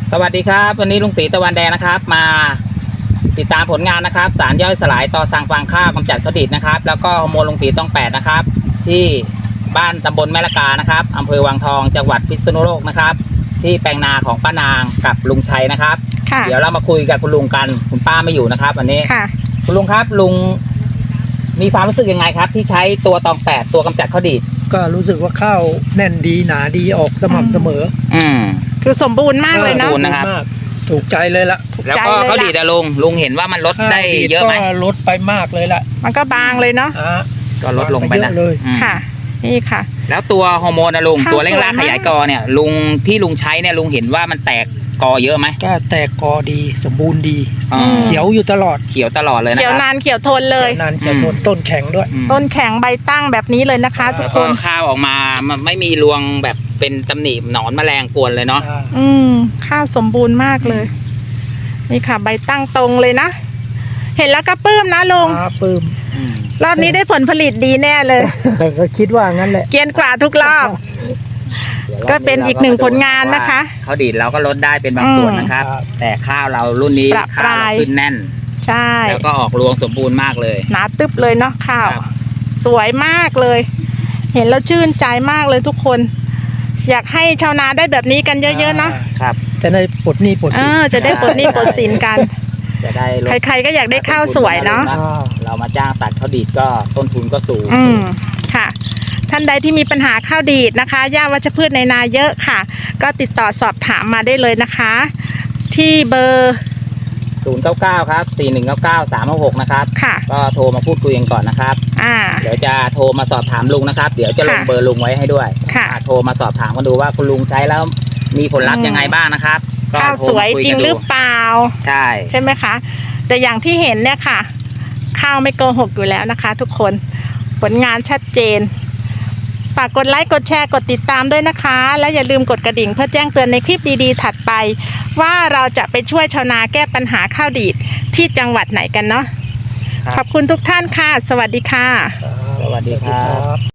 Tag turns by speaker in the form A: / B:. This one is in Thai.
A: สวัสดีครับวันนี้ลุงตีตะวันแดงนะครับมาติดตามผลงานนะครับสารย่อยสลายต่อสั่งฟางข้าวกำจัดเขาดิดนะครับแล้วก็ฮอร์โมนลุงตีต้อง8นะครับที่บ้านตำบลแม่ละกานะครับอำเภอวังทองจังหวัดพิษณุโลกนะครับที่แปลงนาของป้านางกับลุงชัยนะครับเดี๋ยวเรามาคุยกับคุณลุงกันคุณป้าไม่อยู่นะครับวันนี้คุณลุงครับลุงมีความรู้สึกยังไงครับที่ใช้ตัวตอง8ตัวกำจัดเขาดิด
B: ก็รู้สึกว่าข้าวแน่นดีหนาดีออกสม่ำเสมอ
C: คือสมบูรณ์มากเลยนะ
B: ถูกใจเลยละ
A: แล้วก็เขาดีดลุงเห็นว่ามันลดได้เยอะไหม
B: ก็ลดไปมากเลยละ
C: มันก็บางเลยเนาะ
A: ก็ลดลงไปนะ
B: เลย
C: ค่ะนี่ค่ะ
A: แล้วตัวฮอร์โมนนะลุงตัวเร่งรากขยายกอเนี่ยลุงใช้เนี่ยลุงเห็นว่ามันแตกกอเยอะไหม
B: ก็แตกกอดีสมบูรณ์ดีเขียวอยู่ตลอด
A: เขียวตลอดเลยนะ
C: เขียวนานเขียวทนเลย
B: นานเขียวทนต้นแข็งด้วย
C: ต้นแข็งใบตั้งแบบนี้เลยนะคะทุกคน
A: ข้าวออกมามันไม่มีรวงแบบเป็นตำหนิหนอนแมลงกวนเลยเนาะ
C: ข้าวสมบูรณ์มากเลยนี่ค่ะใบตั้งตรงเลยนะเห็นแล้วก็ปลื้มนะลุง
B: ปลื้ม
C: รอบนี้ได้ผลผลิตดีแน่เลย
B: ก็คิดว่างั้นแหละ
C: เกียนกว่าทุกรอบก็เป็นอีกหนึ่งผลงานนะคะ
A: เขาดีดเราก็ลดได้เป็นบางส่วนนะครับแต่ข้าวเรารุ่นนี้ข้าวขึ้นแน่น
C: ใช่
A: แล้วก็ออกรวงสมบูรณ์มากเลย
C: หนาตึ๊บเลยเนาะข้าวสวยมากเลยเห็นแล้วชื่นใจมากเลยทุกคนอยากให้ชาวนาได้แบบนี้กันเยอะๆนะครับ
B: จะได้ปลดหนี้ปลดสิน
C: จะได้ปลดหนี้ปลดสินกัน
A: จะได้
C: ใครๆก็อยากได้ข้าวสวยเนาะ
A: เรามาจ้างตัดข้าวดีดก็ต้นทุนก็สูง
C: ค่ะท่านใดที่มีปัญหาข้าวดีดนะคะหญ้าวัชพืชในนาเยอะค่ะก็ติดต่อสอบถามมาได้เลยนะคะที่เบอร์
A: 099ครับ4199 366นะครับก็โทรมาพูดคุยกันก่อนนะครับเดี๋ยวจะโทรมาสอบถามลุงนะครับเดี๋ยวจะลงเบอร์ลุงไว้ให้ด้วยโทรมาสอบถามกันดูว่าคุณลุงใช้แล้วมีผลลัพธ์ยังไงบ้างนะครับ
C: ข้าวสวยจริงหรือเปล่าใช่ไหมคะแต่อย่างที่เห็นเนี่ยค่ะข้าวไม่โกหกอยู่แล้วนะคะทุกคนผลงานชัดเจนฝากกดไลค์กดแชร์กดติดตามด้วยนะคะและอย่าลืมกดกระดิ่งเพื่อแจ้งเตือนในคลิปดีๆถัดไปว่าเราจะไปช่วยชาวนาแก้ปัญหาข้าวดีดที่จังหวัดไหนกันเนาะขอบคุณทุกท่านค่ะสวัสดีค่ะ
A: สวัสดีครับ